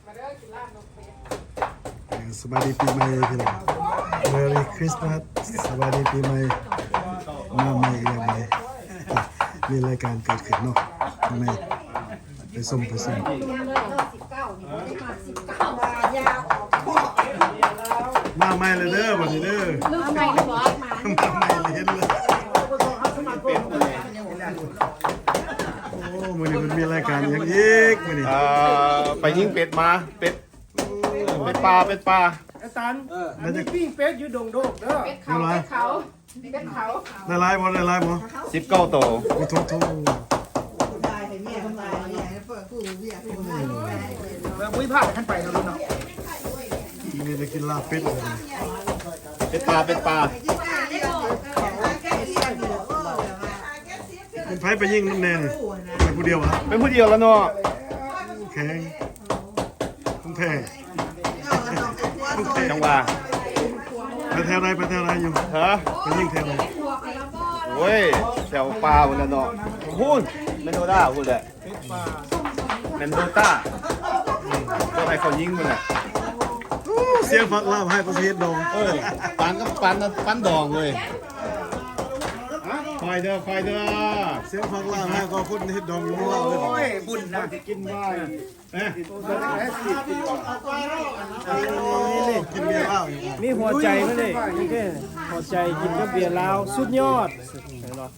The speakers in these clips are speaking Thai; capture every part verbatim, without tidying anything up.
สวัสดีปีใหม่พี่น้อง Merry Christmas สวัสดีปีใหม่มาใหม่ยังไงมีรายการเกิดขึ้นเนาะทำไมไปส่งไปส่งมาใหม่เลยเด้อวันนี้เด้อมาใหม่เลยเหรอมาใหม่เลยเห็นเลยโอ้มื้อนี้มันมีรายการอย่างอีกมื้อนี้ไปยิงเป็ดมาเป็ดเป็ดปลาเป็ดปลาอาจารย์อันนี้ปิ้งเป็ดอยู่ดงโดกเด้อเป็ดเขาเป็ดเขาเป็ดเขาได้ลายบ่ได้ลายบ่สิบเก้าโตโอ้โถมุ้ยผ้าขั้นไปครับลุงเนาะนี่จะกินลาบเป็ดเลยเป็ดปลาเป็ดปลาเป็นไผไปยิงน้ำแน่นี่เป็นผู้เดียววะเป็นผู้เดียวแล้วเนาะแข็งต้องแพงจังหวะไปแถวไหนไปแถวไหนอยู่ฮะไปยิงแถวไหนโอ้ยแถวปลาวันละเนาะพูนเมนโดด้าพูดเลยเมนโดต้าก็ให้เขายิงมันแหละเสียงฟักลาบให้ประเทศดองเออปันก็ปันปันดองเลยไฟเด้อไฟเด้อเสียงฟังล่างให้ก็พูดเฮ็ดดองอยู่ว่าเลยโอ้ยบุญนะกินว่าเอ๊ะกินเบียร์เหล้ามีหัวใจมั้ยนี่นี่แค่หัวใจกินกับเบียร์ลาวสุดยอดเห็นบ่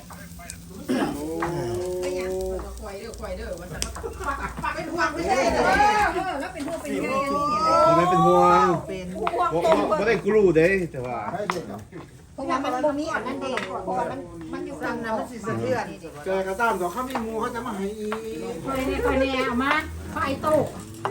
ไม่เป็นห่วงไม่ได้กลูเด้แต่ว่าเพราะว่ามันบ่มีอันนั้นเองเพราะว่ามันมันอยู่กันนะมันสิสะเทือนแกกระตามดอกเขามีหมูเขาจะมาให้อีคอยแน่คอยแน่เอามาไฟโต๊ะ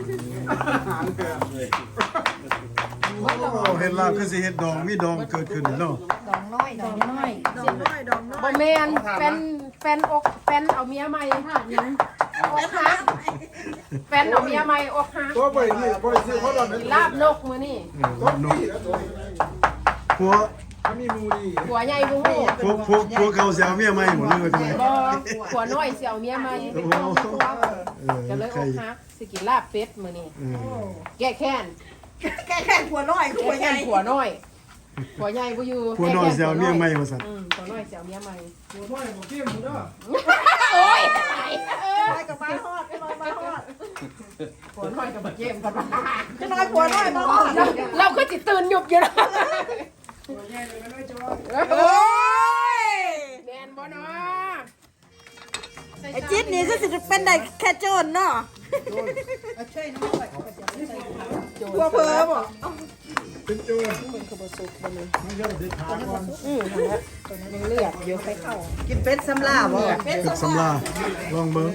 เฮ็ดลาบคือสิเฮ็ดดองมีดองเกิดขึ้นเนาะดองน้อยดองน้อยดองน้อยดองน้อยบ่แม่นแฟนแฟนอกแฟนเอาเมียใหม่ค่ะยังอกหักแฟนเอาเมียใหม่อกหักตัวบ่นี่บ่ได้ซื้อเขาดอกลาบนกมื้อนี้ลาบนกผัวมีหมูดีผัวใหญ่บ่ฮู้พวกพวกพวกเขาสิเอาเมียใหม่หมดเลยจังได๋บ่ผัวน้อยสิเอาเมียใหม่ก็เลยอกหักสิกินลาบเป็ดมื้อนี้แก้แค้นแก้แค้นผัวน้อยผัวใหญ่ผัวน้อยผัวใหญ่บ่อยู่ผัวน้อยสิเอาเมียใหม่ว่าซั่นอืมผัวน้อยสิเอาเมียใหม่ผัวน้อยบ่เกี่ยมเด้อโอ้ยไปกับมาฮอดไปมาฮอดผัวน้อยกับบ่เกมกันว่าจะน้อยผัวน้อยมาฮอดเราก็สิตื่นหยุบอยู่นะผัวใหญ่เลยน้อยจอโอ้ยแม่นบ่เนาะไอ้จิ๊ดนี่ก็สิเป็นได้แค่โจรเนาะช่วยน้องผัวเพิ่มบ่เป็นโจรมันก็บ่สุกบ่เลยมันเยอะเด็ดขาดก่อนอือนั่นแหละตัวนั้นยังเลือดอยู่ไปเข้ากินเป็ดสำลาบ่เป็ดสำลาลองเบิ่ง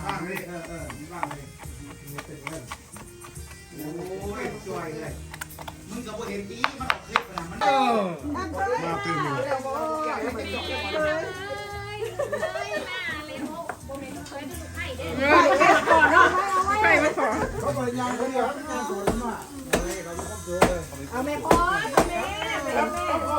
มึงก็บ่เห็นดีมันออกคลิปน่ะมันเออมาตื่นเลยไปไม่พอเขาบ่ยังเขาเดียวเขาสวนมาเอาแม่พ่อแม่แม่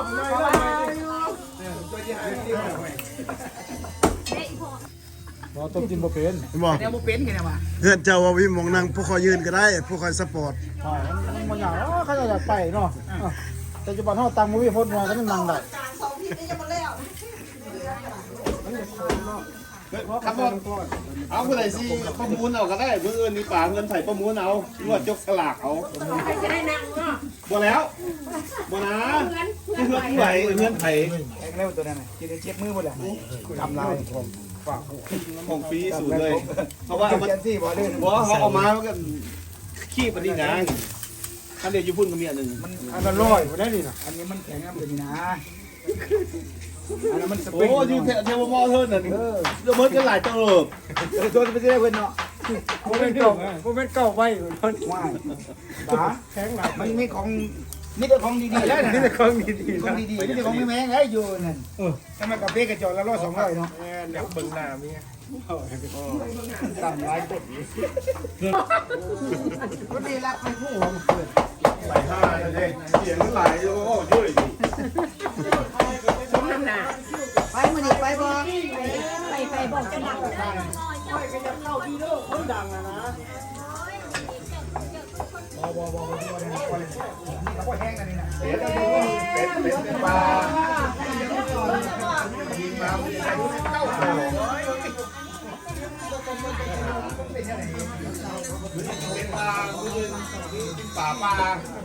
บ่ต้มกินบ่เป็นบ่แนวบ่เป็นแค่นั้นว่ะเฮือนเจ้าว่าวิมองนั่งผู้คอยยืนก็ได้ผู้คอยสปอร์ตอ๋อมันบ่อยากอ๋อเขาจะอยากไปเนาะแต่จุบันเฮาตังบ่มีพ้นว่าก็นั่งได้สองทีนี้ยังบ่แล้วครับเอาผู้ใดสิประมูลเอาก็ได้มื้ออื่นนี่ป่าเงินไผประมูลเอางวดยกสลากเอาจะได้นั่งเนาะบ่แล้วบ่นะเงินไผเงินไผแนวตัวนั้นน่ะกินเช็ดมือบ่ล่ะทำลายผมฝากของฟรีสุดเลยเพราะว่ามันสิบ่เล่นบ่เขาเอามามันก็ขี้ปานนี้นะอันเดียวอยู่พุ่นก็มีอันนึงมันอันละร้อยบ่ได้นี่น่ะอันนี้มันแข็งอันนี้นะอันนั้นมันสปริงโอ้อยู่เทวมอเทิร์นน่ะเออเดี๋ยวเบิดกันหลายเติบเออตัวมันสิได้เพิ่นเนาะบ่แม่นเก่าบ่แม่นเก่าไว้เพิ่นว้ายตาแข็งหลายมันมีของมีแต่ของดีๆแล้วน่ะมีแต่ของดีๆของดีๆมีแต่ของแม่งๆได้อยู่นั่นเออถ้ามันกาแฟกระจอกละร้อยสองร้อยเนาะแม่นอยากเบิ่งหน้าเมียต่ำหลายคนก็ดีรักมันผู้ของเกิดไหลห้าเลยเด้เสียงไหลโอ้ช่วยดิสมน้ำหน้าไปมื้อนี้ไปบ่ไปไปบ่จะดังไปก็จะเข้าดีเด้อมันดังนะนะบ่บ่บ่บ่นี่เขาก็แห้งกันนี่นะเป็ดเป็ดเป็ดเป็นปลายิงมาเก้าโมงเป็นปลาป่าปลา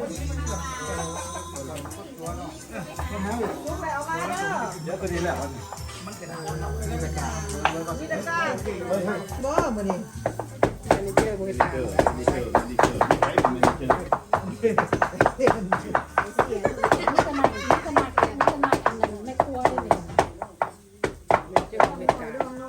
เยอะกว่านี้แหละบ่มื้อนี้อันนี้เจอบ่ตาเกิดนี่เกิดนี่เกิดนี่ไปมันเกิดนี่ก็มานี่ก็มานี่ก็มาอันนั้นแม่ครัวนี่เจอบ่ตา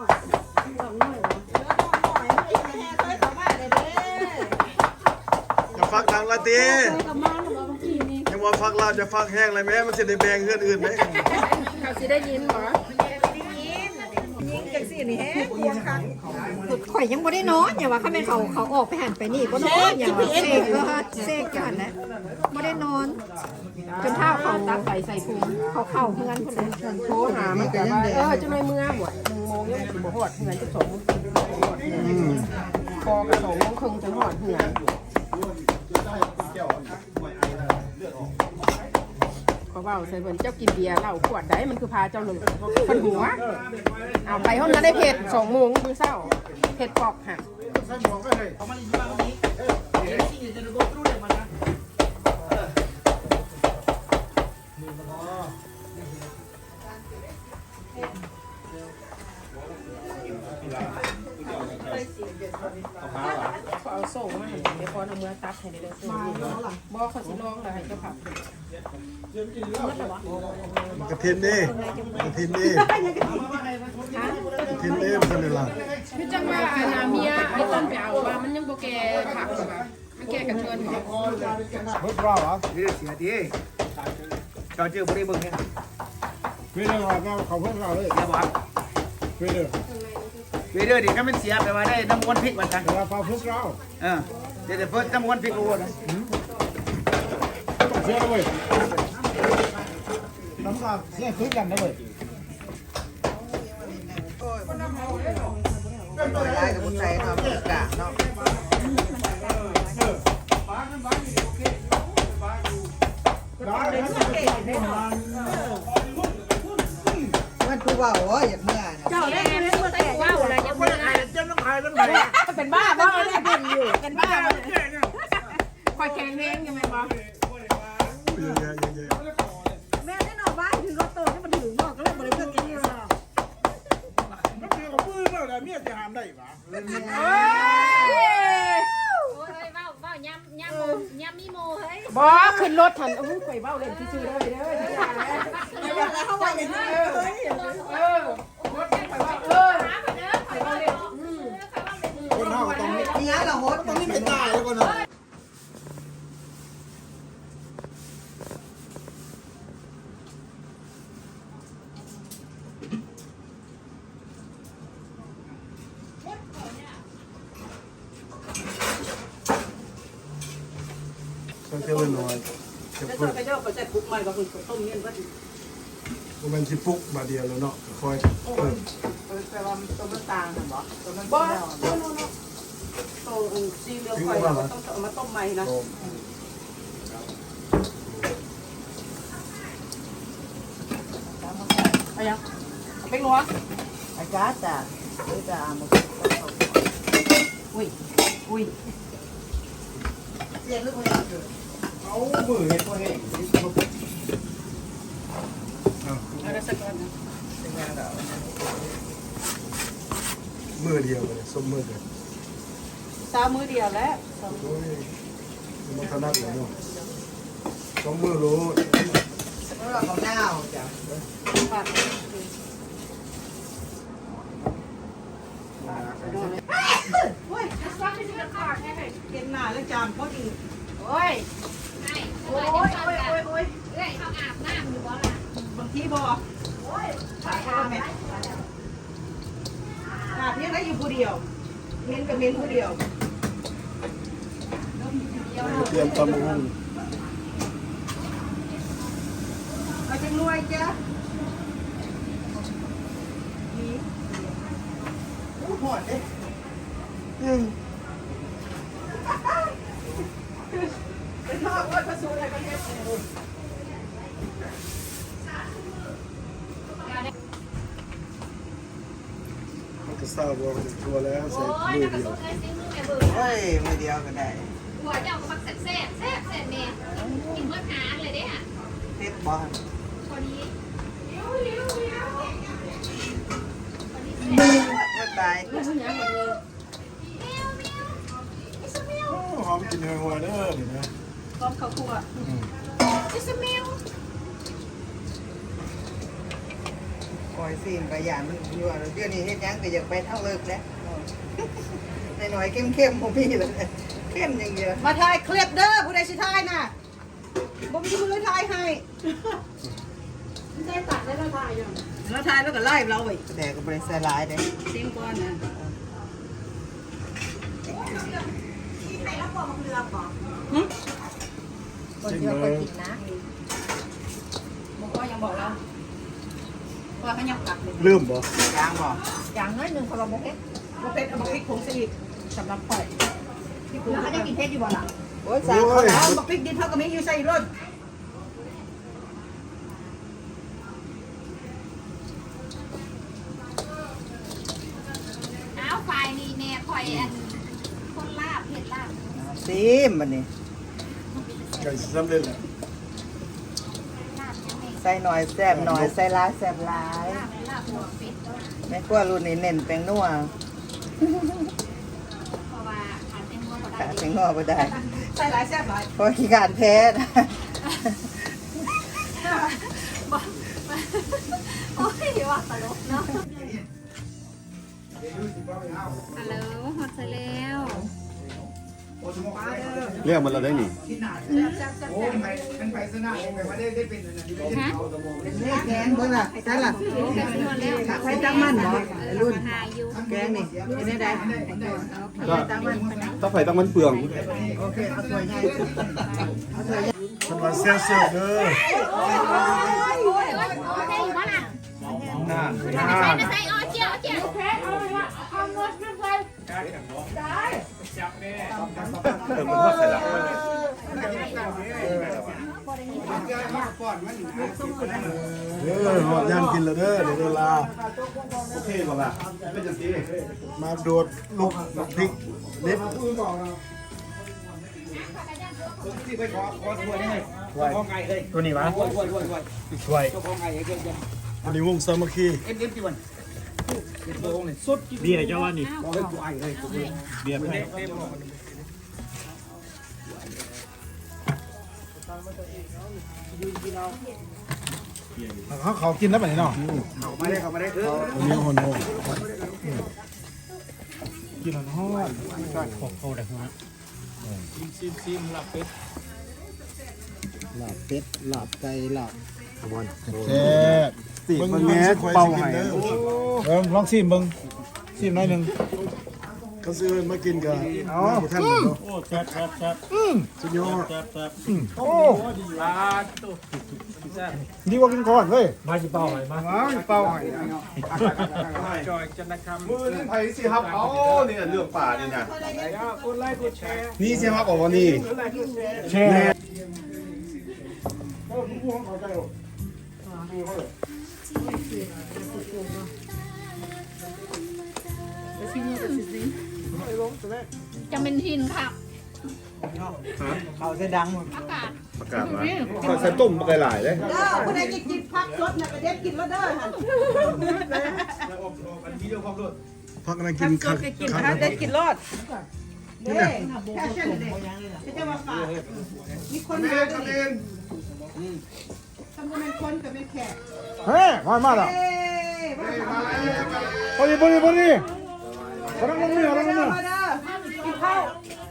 จะฟักดังละตียังว่าฟักลาบจะฟักแห้งอะไรไหมมันจะได้แบ่งเพื่อนอื่นไหมเขาสิได้ยินบ่ยิงจังซี่นี่แฮะควงคันข่อยยังบ่ได้นอนอย่าว่าเขาแม่นเขาเขาออกไปหันไปนี่บ่นอนอย่าว่าเสกเออเสกจังนั้นแหละบ่ได้นอนจนเท้าเขาตักใส่ใส่พุงเขาเข้าเฮือนพุ่นเลยโทรหามันก็ว่าเออจังได๋มื้อบ่หนึ่งโมงยังสิบ่ฮอดเฮือนจะสองโมงพอก็สองโมงครึ่งจะฮอดเฮือนเขาเว้าใส่เพิ่นเจ้ากินเบียร์เหล้าขวดใดมันคือพาเจ้าหนึ่งเพิ่นหัวเอาไปห้องนั้นได้เผ็ดสองโมงมื้อเช้าเผ็ดปอกหัก เขาเอาส่งมาให้เดี๋ยวพอเอามือตัดให้ได้เลยมาแล้วล่ะบ่เขาสิลองแล้วให้เจ้าผักมันกระทินนี่กระทินนี่กระทินนี่มันเป็นอะไรคือจังว่าอานาเมียไอ้ต้นไปเอาว่ามันยังบ่แก่ผักหรอกว่ามันแก่กันเชิญบ่เฮ้ยรอเหรอนี่เสียดีจอเจอบ่ได้เบิ่งเนี่ยเวเดอร์ว่าเขาเพิ่งเราเลยอย่าบอกเวเดอร์เวเดอร์ดิถ้ามันเสียแปลว่าได้น้ำมันพริกว่าซั่นว่าฟ้าพริกเราเออเดี๋ยวเพิ่นน้ำมันพริกโอ้นะเสียเลยน้ำก็เสียคือกันนะเว้ยยายกับผู้ชายเนาะเพิ่นกะเนาะมันคือว่าโอ้ยอยากเมื่อเจ้าได้เงินเมื่อแต่ว้าวอะไรยังบ่ได้เจ้าต้องขายต้องขายเป็นบ้าบ่ได้เพิ่นอยู่เป็นบ้าคอยแข็งแรงยังไงบ่เยอะแยะเยอะแยะแม่ได้นอนบ้านถึงรถโตให้มันถึงบอกก็เลยบ่ได้เพิ่นกินหรอกมันคือกับปืนแล้วแต่เมียจะหามได้ปะเอ้ยโอ้ยเว้าเว้ายำยำโมยำมีโมเฮ้ยบ่ขึ้นรถทันโอ้ยข่อยเว้าเล่นซื่อๆเด้อเด้ออย่าแล้วแล้วเขาว่าอย่างนี้เลยเออรถข่อยว่าเออหาไปเด้อข่อยเว้าเล่นอืมคนเฮาต้องมีนี่ฮะเราโฮสต้องมีไม่ตายแล้วคนเนาะสักเท่าไหร่น้อยจะแล้วปุ๊ก็บไปเจ้าก็จะคุกใหม่ก็คือต้มเงี้ยว่ามันสิปุ๊กบาเดียวแล้วเนาะคอยเพิ่มแต่ว่าต้มน้ำตาลน่ะบ่ต้มน้ำตาลบ่โน่นๆต้มซีเรียลไฟต้องเอามาต้มใหม่นะไปยังเป็นหัวอาจารย์จ้ะเดี๋ยวจะมาอุ้ยอุ้ยเสียงลูกคนนี้เอามือเห็นบ่เห็นเอาได้สักก่อนนะมือเดียวเลยส้มมือกันสามมือเดียวแล้วโอ้ยมันถนัดเลยเนาะสองมือรู้เราของหน้าจ้ะปัดโอ้ยเก็บหน้าแล้วจามเขาดีโอ้ยไอ้โอ้ยโอ้ยโอ้ยโอ้ยเอ้ยเขาอาบน้ำอยู่บ่ล่ะบางทีบอกขายข้าวแม่ขาดเพียงได้อยู่ผู้เดียวเม้นกับเม้นผู้เดียวเตรียมตำหุ่งเอาจังรวยจ้ะนี่อู้หอดเด้อืมมันก็ทราบว่ามันทัวแล้วใส่โอ้ยมือน้ำกระเดียวสุนไอ้ซิมือแม่เบื่อเฮ้ยมือเดียวก็ได้หัวเจ้าก็มักแซ่บแซ่บแซ่บแซ่บแม่กินเมื่อหาเลยเด้อ่ะเท็ดบอลพอดีก็ตายหอมกินหัวเด้อนี่นะจิสมิลคอยซีนไปอย่างมันอยู่อ่ะเดี๋ยวนี้เฮ็ดยังก็อยากไปเท่าเลิกแล้วหน่อยๆเข้มๆผมพี่เลยเข้มอย่างเดียวมาถ่ายคลิปเด้อผู้ใดสิถ่ายน่ะบ่มีมือถ่ายให้ได้ตัดได้แล้วถ่ายอยู่แล้วถ่ายแล้วก็ไล่เราอีกแต่ก็บริษัทลายเด้เสียงก่อนนะคนที่ว่าเคยกินนะบอกว่ายังบอกเราว่าเขายังตัดเลยลืมบ่ยางบอกอย่างน้อยหนึ่งเขาบอกโอเคบ่เป็ดเอาบักพริกผงซีอิ๊วสำหรับข่อยที่กูแล้วเขาจะกินเพชรอยู่บ่ล่ะโอ้ยสามเขาเอาบักพริกดินเท่ากับมีอยู่ใส่รถอ้าวไฟนี่แม่คอยอันคนลาบเผ็ดลาบซีมมันนี่ไก่สำเร็จแล้วลาบยังไงใส่หน่อยแซ่บหน่อยใส่หลายแซ่บหลายลาบลาบหัวเป็ดแม่กลัวรุ่นนี้เน้นแป้งนัวเพราะว่าขาดเป็นหัวก็ได้ขาดแป้งนัวบ่ได้ใส่หลายแซ่บหลายเพราะขี้การแพ้นะโอ้ยว่าตลกเนาะฮัลโหลหอดเสร็จแล้วเรียกมันเราได้นี่ฮะแกงเบิ่งล่ะใช่ล่ะแค่นวดแล้วใส่จังมันบ่รุ่นหาอยู่แกงนี่เป็นได้ได้ก็ต้องไฟต้องมันเปลืองโอเคเอาถ้วยใหญ่เอาถ้วยใหญ่มันมาเสียเสียเด้อโอ้ยโอ้ยโอเคอยู่บ้านอ่ะน่าไม่ใช่ไม่ใช่อ๋อเจียวเจียวแพ้เอาเลยว่าเอาเงินขึ้นไปเออมันทอดใส่ละเด้อหอดย่างกินแล้วเด้อเดี๋ยวเวลาโอเคบอกอ่ะเป็นจังซี่มาโดดลูกพริกเล็บตัวนี้วะช่วยอันนี้วงสามัคคีเบียร์เจ้าว่านี่เบียร์ให้เขาเขากินแล้วแบบนี้เนาะมาได้เข้ามาได้เอออันนี้หอนโหกินหอนหอนขอเข้าได้หัวซิมซิมหลับเป็ดลาบเป็ดลาบไก่ลาบวันแซ่บติมันแง่เป่าให้เออลองชิมเบิ่งชิมหน่อยนึงเขาซื้อมากินกันอ๋อท่านเนาะโอ้แซ่บแซ่บแซ่บสุดยอดแซ่บแซ่บโอ้ลาตุแซ่บดีกว่ากินก่อนเว้ยมาจิเป้าไหมมาเป่าให้จอยจันทร์คำมือนี่ไผสิครับเอานี่เรื่องป่านี่นะกดไลค์กดแชร์นี่สิครับบอกว่านี่แช่จะเป็นหินค่ะเขาจะดังอากาศประกาศมาเขาใส่ต้มไปหลายเลยเด้อผู้ใดจะกินผักสดน่ะไปเด็ดกินแล้วเด้อหั่นพักนั้นกินข้าวกินผักเด็ดกินรอดเด้แค่เช่นเด้จะจะมาฝากมีคนมาด้วยนี่ทำเป็นคนกับเป็นแขกเฮ้ยมามาแล้วเอ้ยมาถามมาเด้อพอดีพอดีพอดีกำลังลงมือกำลังลงมือมาเด้อกินข้าว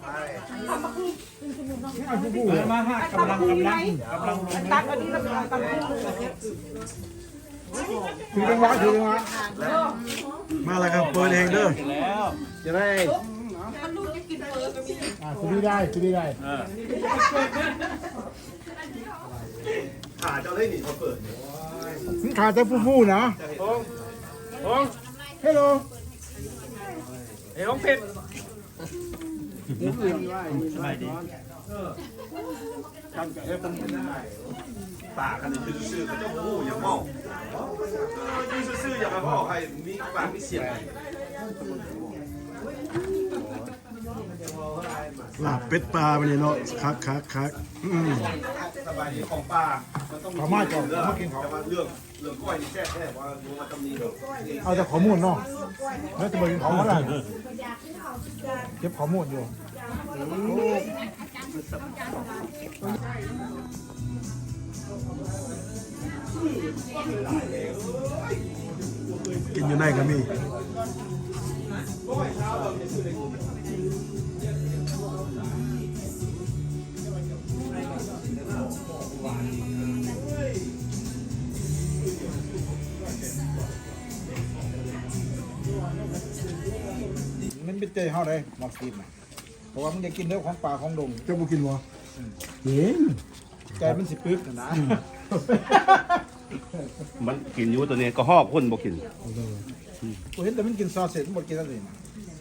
มาฮะกำลังกำลังกำลังตักอันนี้แล้วก็ตักคู่ถือจังหวะถือจังหวะมาแล้วครับเปิดเองเด้อแล้วจะได้อ่าคุณดีได้คุณดีได้ขาเจ้าได้นี่เขาเปิดขาจะฟูๆนะโอ้เฮลโลเอ้ยของเผ็ดนสบายดีปากกันนี่ซื่อๆก็เจ้าหู้อย่าเมาเออยืนซื่อๆอย่ามาเมาให้มีปากมีเสียงลาบเป็ดปลาไปนี่เนาะคักคักคักอืมสบายดีของป้ามันต้องมีเขามาก่อนเขามากินเขาแต่ว่าเรื่องเรื่องก้อยนี่แซ่บแท้ว่าดูมาตำนี้เนาะเอาแต่ข้อมูลเนาะแล้วจะไปกินของอะไรเก็บข้อมูลอยู่กินอยู่ในก็มีมันเป็นใจเฮาได้มักกินเพราะว่ามันได้กินเนื้อของป่าของดงเจ้าบ่กินบ่กินใจมันสิปึกนะมันกินอยู่ตัวนี้ก็หอบคนบ่กินกูเห็นแต่มันกินซอสเสร็จมันบ่กินอะไรนะ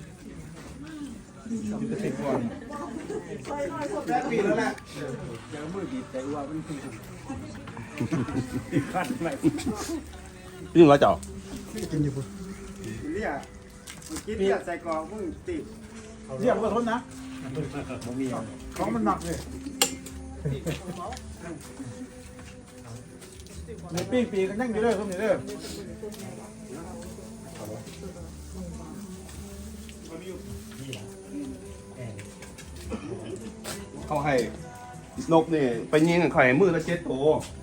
กินแต่เผ็ดก่อนปีแล้วแหละยิ่งร้อยเจ้ากินอยู่พุ่นเรียกกินเรียกใส่กรอกมึงติดเรียกว่าทนนะของมันหนักเลยในปีปีกันนั่งอยู่เลยทุกนี่เลยเขาให้นกนี่ไปยิงกับไข่มือละเจ็ดโต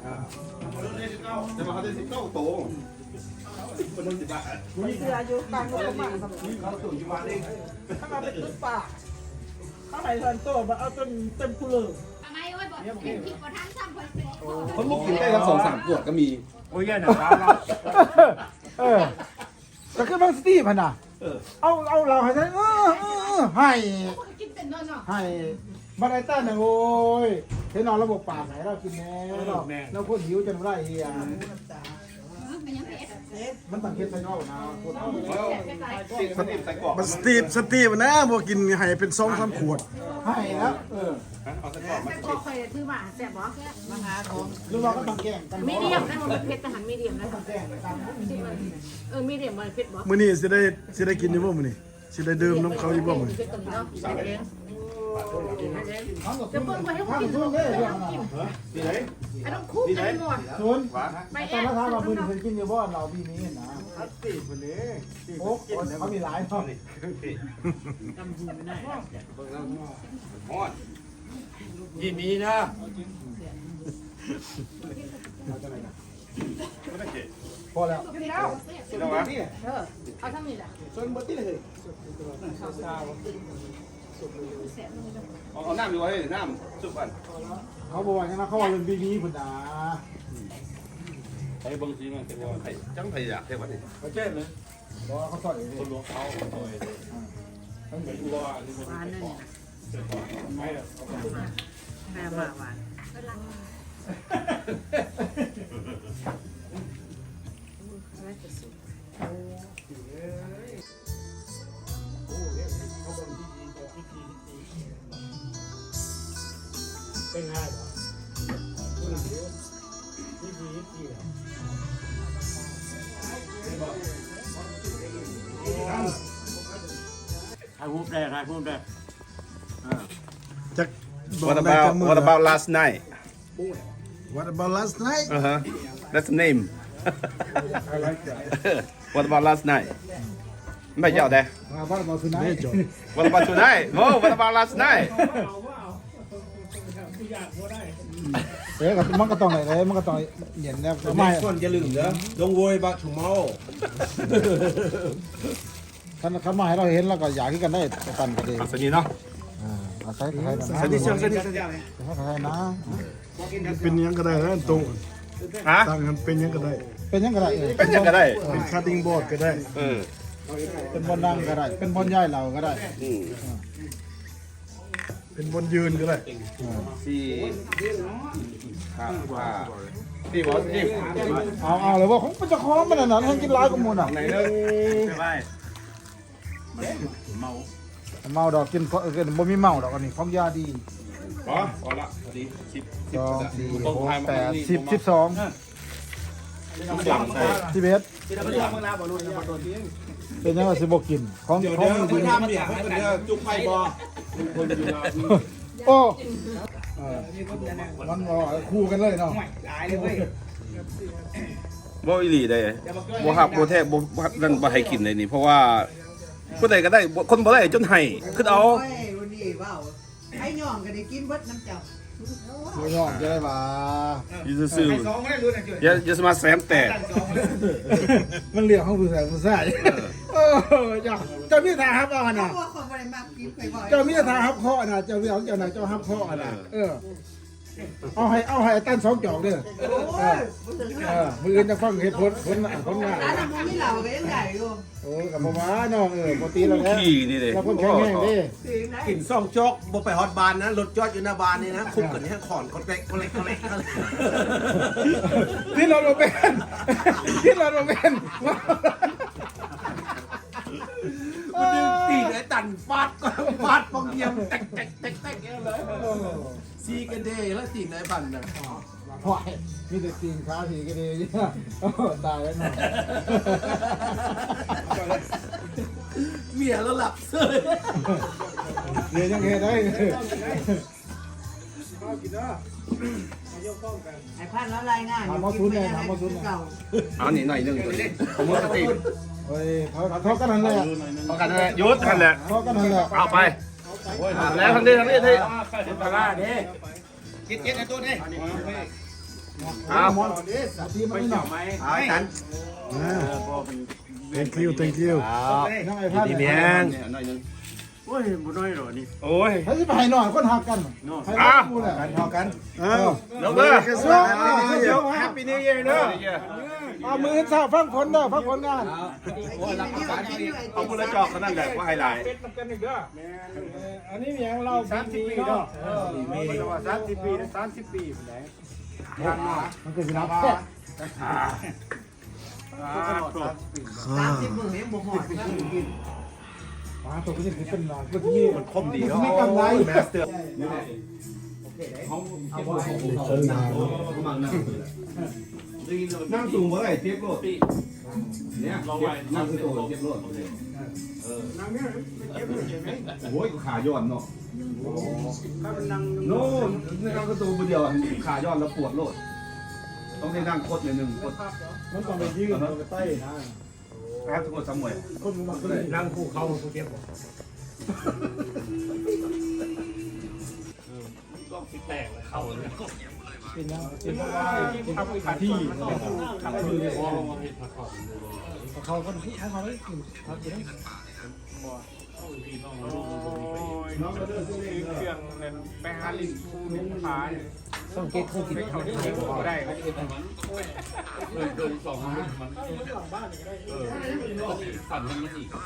แต่ว่าเขาได้สิบเก้าโตคนนึงสิบบาทเสืออยู่กลางรถกระบะเขาสูงอยู่บ้านเองถ้ามาเป็นตุ๊กป่าข้าวไหนทันโตมาเอาจนเต็มคูเลอร์ทำไมโอ้ยบอกกินผิดกว่าทั้งซ้ำคนเป็นคนลูกกินได้ทั้งสองสามขวดก็มีโอ้ยเนี่ยนะครับเราเออแต่คือบางสตีพันน่ะเอาเอาเราให้ใช้เออเออให้กินเป็นนอนเนาะให้มาได้ต้านนะโว้ยเห็นนอนระบบปากไหนเรากินแน่เราเราคนหิวจนไรเฮียเป็นยังไงมันต่างเฮ็ดใส่นอกนะคนเอาติดสนิทใส่กรอบบัสตีฟสตีฟนะบ่กินให้เป็นสองสามขวดให้แล้วเออเอาใส่กรอบมาก็เคยถือมาแซ่บบ่หรือว่าก็ต้องแกล้งกันมีเดียมได้บ่เผ็ดทหารมีเดียมได้บ่แกล้งกันเออมีเดียมบ่เผ็ดบ่มื้อนี้สิได้สิได้กินอยู่บ่มื้อนี้สิได้ดื่มน้ำเขาอยู่บ่มื้อนี้เผ็ดตรงนี้เนาะเองจะเพิ่งไปให้คนกินทุนได้เรื่องอะไรที่ไหนไอ้ต้องคุกไอ้หมดทุนไปแต่แอบละทางเราเพิ่งเคยกินอยู่บ่เราปีนี้นะตีคนนี้โอ้เขามีหลายเนาะยินดีนะพอแล้วกินแล้วแล้ววะเออเอาทั้งนี้แหละส่วนบดที่เลยเอาน้ำอยู่ไว้น้ำสุกกันเขาบอกว่าอย่างนั้นเขาว่าเป็นปีนี้พุ่นนะไอ้บางทีมันจะว่าไผ่จังไผ่อยากเท่วันนี้เขาเจ๊เลยบอกเขาสอนเลยคนหลวงเขาโดยต้องเป็นตัวนี่มันหวานนั่นไม่หรอกแม่มาหวานเป็นง่ายเหรอที่ดีที่เหรอถ่ายรูปได้ถ่ายรูปได้จัก What about What about last night What about last night uh huh that's the name What about last night ไม่เจ้าแต่มาบ้านมาคืนไหนนี่จบ What about tonight No What about last night เอ๊ะมันก็ต้องไหนเลยมันก็ต้องเย็นแล้วไม่คนอย่าลืมเด้อ Don't worry about tomorrow ท่านเขามาให้เราเห็นแล้วก็อยากที่กันได้ตันกันเองสนีเนาะอ่าอาศัยใครนะสนีเชียวสนีใครนะเป็นหยังก็ได้นะตรงฮะตั้งกันเป็นหยังก็ได้เป็นยังก็ได้เป็นยังก็ได้เป็นคัตติ้งบอร์ดก็ได้เออเป็นบนนั่งก็ได้ เป็นบนย่ายเราก็ได้อืมเป็นบนยืนก็ได้สี่ครับว่าสี่บอสนี่เอาเอาเลยว่าของมันจะคล้องมันน่ะให้กินร้ายกับมูลอ่ะไหนเนอะไม่ได้เมาเมาดอกกินเพราะกินบ่มีเมาดอกอันนี้ของยาดีพอพอละพอดีสิบสองสี่หกแปดสิบสิบสองทุกอย่างใส่สิบเอ็ดเป็นยังไงสิบกินของของดีจุกไฟบอโอ้เออมันบ่คู่กันเลยเนาะบ่อีหลีได้บ่ฮับบ่แท้บ่นั่นบ่ให้กินเลยนี่เพราะว่าผู้ใดก็ได้คนบ่ได้จนให้คือเอาโอ้ยวันนี้ว้าวไอ้ย่องก็ได้กินเบิดน้ำเจ้าไม่ยอมจะได้บ่าอยู่ซื่อๆอย่าอย่าสมาแซมแตกมันเรียกเขาผู้ชายผู้ชายโอ้เจ้าเจ้ามีทางฮับเอาน่ะเพราะว่าคนบ่ได้มากินไปบ่อยเจ้ามีทางฮับเคาะน่ะเจ้ามีเอาเจ้าน่ะเจ้าฮับเคาะน่ะเออเอาให้เอาให้ตั้นสองจอกเด้อโอ้ยเออมืออื่นจะฟังเหตุผลผลผลงานร้านน้ำมันมีเหล่าก็ยังใหญ่อยู่โอ้กับพ่อมาน้องเออปกติแล้วแล้วขี้นี่เด้เราคนแข็งแรงเด้กลิ่นซ่องจอกบ่ไปฮอตบานนะรถจอดอยู่หน้าบานนี่นะคุกกันนี่ขอนคนเล็กคนเล็กคนเล็กที่เราโดนเป็นที่เราโดนเป็นมันดึงตีไอ้ตันฟาดก็ฟาดปองเยี่ยมแตกแตกแตกแตกเลยซีกันเดย์แล้วตีไอ้บันน่ะพ่อยมีแต่ตีนขาถีก็ดีตายแล้วเนาะเมียแล้วหลับเสยเรียนยังไงได้ไอ้พันแล้วรายงานถามมาซุนเลยถามมาซุนเก่าเอานี่หน่อยนึงตัวนี้ผมว่าสติเฮ้ยเขาเขากันนั่นแหละพอกันนั่นแหละยุดนั่นแหละเขากันนั่นแหละเอาไปแล้วทางนี้ทางนี้ที่ปลาเด้กินกินไอ้ตัวนี้เอาทีมันไม่หนักเอาไอ้ตันอ่า thank you thank you น้องไอ้พันดีเมียงหน่อยนึงโอ้ยบุน้อยหรอนี่โอ้ยให้ไปให้หน่อยคนหักกันให้กูแหละกันพอกันเอ้าน้องเด้อเดี๋ยวแฮปปี้นิวเยียร์เด้อเอามือเท้าฟังผลเด้อฟังผลงานโอ้ยรับประกันเอามือละจอกขนาดใหญ่กว่าไฮไลท์อันนี้อย่างเราสามสิบปีเนาะสามสิบปีสามสิบปีไหนมันเป็นนับแค่สามสิบหมื่นเองบ่หอดนะกินมาตัวนี้เป็นหนักเมื่อกี้มันคมดีมันไม่กำไรแมสเตอร์นั่งสูงเมื่อไหร่เทียบโลดเนี่ยนั่งคือตัวเทียบโลดเออโอ้ยขาย้อนเนาะโน่นนั่งคือตัวเดียวขาย้อนแล้วปวดโลดต้องได้นั่งโคตรเลยหนึ่งโคตรมันต้องไปยืดไปใต้นะครับทุกคนสมวยคนมันก็เลยนั่งคู่เขาคู่เทียบก็สิแตกเขาเลยเป็นยังเป็นเป็นทำขาที่ทำคือเขาคนที่เขาไม่กินเขากินน้องก็เดินซื้อเครื่องนั่นไปหาลินคูนุ่งฟ้าเนี่ยต้องเก็ตคู่กินเขาได้เขาได้เลยโดนสองมันมันเออสั่นมันอีก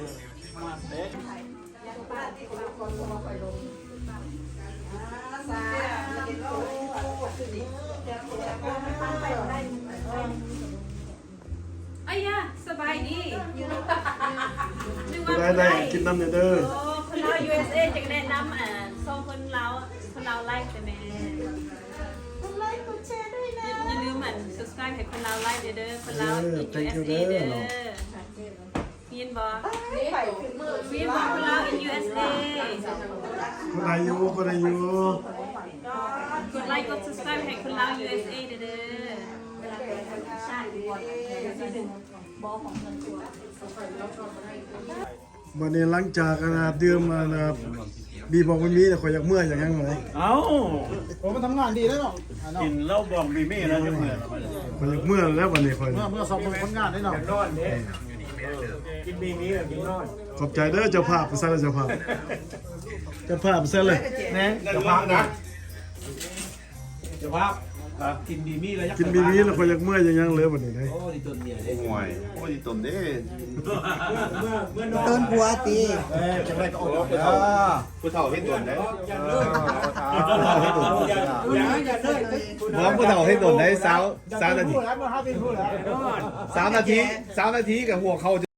ไอ้ยะสบายดีนึกว่าได้ได้กินน้ำเนี่ยเด้อโอ้คนเรา ยู เอส เอ จะแนะนำอ่าสองคนเราคนเราไลค์แต่แม่คนไลค์กดแชร์ด้วยนะอย่าลืมอ่ะ subscribe ให้คนเราไลค์เด้อคนเรา ยู เอส เอ เด้อเห็นบ่เห็นบ่คนเรา ยู เอส เอคนอายุคนอายุกดไลค์กด subscribe ให้คนเรา ยู เอส เอ เด้อวันนี้หลังจากนะครับดื่มมานะครับบีบอกมันมีแต่ขอยอยากเมื่อยอย่างนั้นเลยเอ้าผมมันทำงานดีแล้วเนาะกินเหล้าบองมีเม่แล้วจะเหมือนขอยอยากเมื่อยแล้ววันนี้ขอยเมื่อเมื่อสอบผลงานได้เนาะนอนเด้กินมีมีกินนอนขอบใจเด้อเจ้าภาพไปซะเลยเจ้าภาพเจ้าภาพไปซะเลยนะจะพักนะจะพักกินดีมี่แล้วกินบีบีแล้วขอยอยากเมื่อยอย่างนั้นเลยวันนี้เลยห่วยโอ้ยตนเด้ต้นบัวตีเออจะได้ก็ออกผู้เฒ่าผู้เฒ่าให้ตนได้อย่าเลยน้องผู้เฒ่าให้ตนได้สาวสาวนาทีพูดแล้วมาห้าปีพูดแล้วสาวนาทีสาวนาทีกับหัวเขา